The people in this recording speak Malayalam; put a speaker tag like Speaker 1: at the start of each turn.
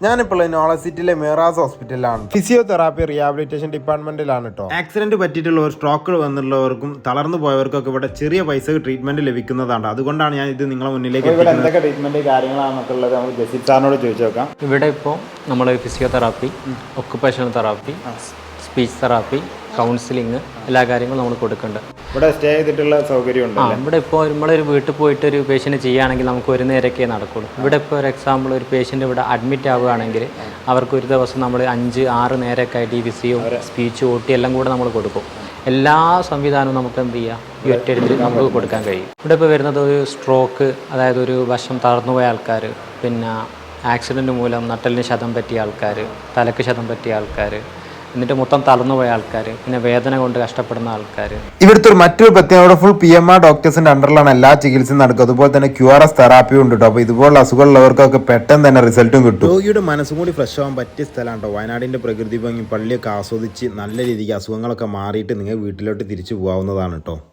Speaker 1: ഞാനിപ്പോൾ നോളജ് സിറ്റിയിലെ മേറാസ് ഹോസ്പിറ്റലിലാണ്. ഫിസിയോതെറാപ്പി റീഹാബിലിറ്റേഷൻ ഡിപ്പാർട്ട്മെന്റിലാണ് കേട്ടോ. ആക്സിഡന്റ് പറ്റിയിട്ടുള്ളവർ, സ്ട്രോക്ക് വന്നിട്ടുള്ളവർക്കും തളർന്നു പോയവർക്കൊക്കെ ഇവിടെ ചെറിയ പൈസ ട്രീറ്റ്മെന്റ് ലഭിക്കുന്നതാണ്. അതുകൊണ്ടാണ് ഞാൻ ഇത് നിങ്ങളെ മുന്നിലേക്ക്
Speaker 2: എന്തൊക്കെ ട്രീറ്റ്മെന്റ് കാര്യങ്ങളാണെന്നൊക്കെ ഉള്ളത് നമുക്ക് ജസീദ് സാറിനോട് ചോദിച്ചു നോക്കാം.
Speaker 3: ഇവിടെ ഇപ്പോൾ നമ്മൾ physiotherapy, occupational therapy, speech therapy, counselling എല്ലാ കാര്യങ്ങളും നമ്മൾ കൊടുക്കുന്നുണ്ട്.
Speaker 2: ഇവിടെ സ്റ്റേ ചെയ്തിട്ടുള്ള സൗകര്യം ഉണ്ട്.
Speaker 3: ഇവിടെ ഇപ്പോൾ നമ്മളൊരു വീട്ടിൽ പോയിട്ട് ഒരു പേഷ്യൻറ്റ് ചെയ്യുകയാണെങ്കിൽ നമുക്ക് ഒരു നേരമൊക്കെ നടക്കുള്ളൂ. ഇവിടെ ഇപ്പോൾ ഒരു എക്സാമ്പിൾ ഒരു പേഷ്യൻ്റ് ഇവിടെ അഡ്മിറ്റ് ആവുകയാണെങ്കിൽ അവർക്ക് ഒരു ദിവസം നമ്മൾ 5-6 നേരമൊക്കെ ആയിട്ട് ഈ ഫിസിയോ, സ്പീച്ച്, OT എല്ലാം കൂടെ നമ്മൾ കൊടുക്കും. എല്ലാ സംവിധാനവും നമുക്ക് എന്ത് ചെയ്യാം, ഈ ഒറ്റയടിച്ച് നമുക്ക് കൊടുക്കാൻ കഴിയും. ഇവിടെ ഇപ്പോൾ വരുന്നത് ഒരു സ്ട്രോക്ക്, അതായത് ഒരു വശം തളർന്നുപോയ ആൾക്കാർ, പിന്നെ ആക്സിഡൻറ്റ് മൂലം നട്ടലിന് ക്ഷതം പറ്റിയ ആൾക്കാർ, തലക്ക് ക്ഷതം പറ്റിയ ആൾക്കാർ, എന്നിട്ട് മൊത്തം തളർന്നുപോയ ആൾക്കാർ, പിന്നെ വേദന കൊണ്ട് കഷ്ടപ്പെടുന്ന ആൾക്കാർ.
Speaker 1: ഇവിടുത്തെ ഒരു മറ്റൊരു പ്രത്യേകത ഫുൾ PMR ഡോക്ടേഴ്സിന്റെ അണ്ടറിലാണ് എല്ലാ ചികിത്സയും നടക്കുക. അതുപോലെ തന്നെ QRS തെറാപ്പിയും ഉണ്ട് കേട്ടോ. അപ്പോൾ ഇതുപോലുള്ള അസുഖമുള്ളവർക്കൊക്കെ പെട്ടെന്ന് തന്നെ റിസൾട്ടും കിട്ടും. രോഗിയുടെ മനസ്സും കൂടി ഫ്രഷ് ആവാൻ പറ്റിയ സ്ഥലമാണ് കേട്ടോ. വയനാടിന്റെ പ്രകൃതി ഭംഗി, പള്ളിയൊക്കെ ആസ്വദിച്ച് നല്ല രീതിക്ക് അസുഖങ്ങളൊക്കെ മാറിയിട്ട് നിങ്ങൾ വീട്ടിലോട്ട് തിരിച്ചു പോകാവുന്നതാണ് കേട്ടോ.